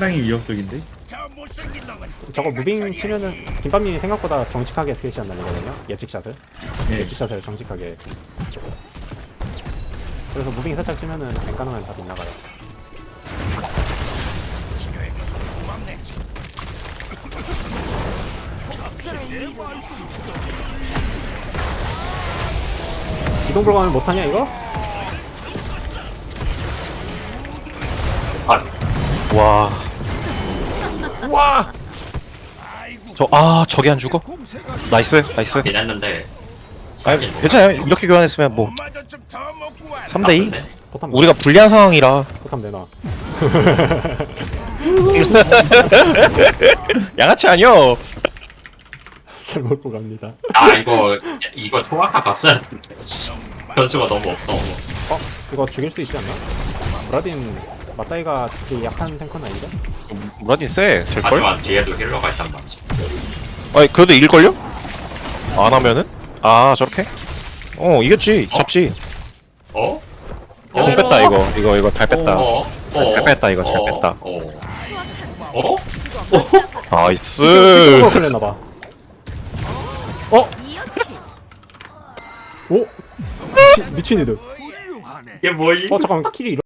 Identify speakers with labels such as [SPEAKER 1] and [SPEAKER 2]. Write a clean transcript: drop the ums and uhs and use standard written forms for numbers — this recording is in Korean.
[SPEAKER 1] 상당히 위협적인데?
[SPEAKER 2] 저거 무빙 치면은 김밥님이 생각보다 정직하게 스케이시안 날리거든요. 예측샷을.
[SPEAKER 1] 네.
[SPEAKER 2] 예측샷을 정직하게. 그래서 무빙 살짝 치면은 앵간하면 다 빗나가요. 기동 불가면 못하냐 이거?
[SPEAKER 3] 와.
[SPEAKER 2] 와!
[SPEAKER 3] 저기 안 죽어? 나이스.
[SPEAKER 4] 했는데
[SPEAKER 3] 아, 괜찮아요. 이렇게 교환했으면 뭐 3대2?
[SPEAKER 2] 포탐
[SPEAKER 3] 우리가 불리한 상황이라
[SPEAKER 2] 포탐 내놔.
[SPEAKER 3] 양아치 아니여.
[SPEAKER 2] 잘 먹고 갑니다.
[SPEAKER 4] 아 이거 초과가 봤어야 변수가 너무 없어.
[SPEAKER 2] 이거 죽일 수 있지 않나? 브라딘 맞다이가 되게 약한 탱커는 아닌데?
[SPEAKER 3] 무라딘 쎄. 될걸?
[SPEAKER 4] 하지만 뒤에도 힐러가 있단 말이지.
[SPEAKER 3] 아니 그래도 이길걸요? 안 하면은? 아 저렇게? 이겼지. 잡지.
[SPEAKER 4] 어?
[SPEAKER 3] 잘 뺐다 이거 잘 뺐다. 잘 뺐다 이거 잘 뺐다.
[SPEAKER 4] 어?
[SPEAKER 3] 나이스.
[SPEAKER 2] 또 걸렸나봐. 어? 오? 미친 애들.
[SPEAKER 4] 이게 뭐지?
[SPEAKER 2] 잠깐만 킬이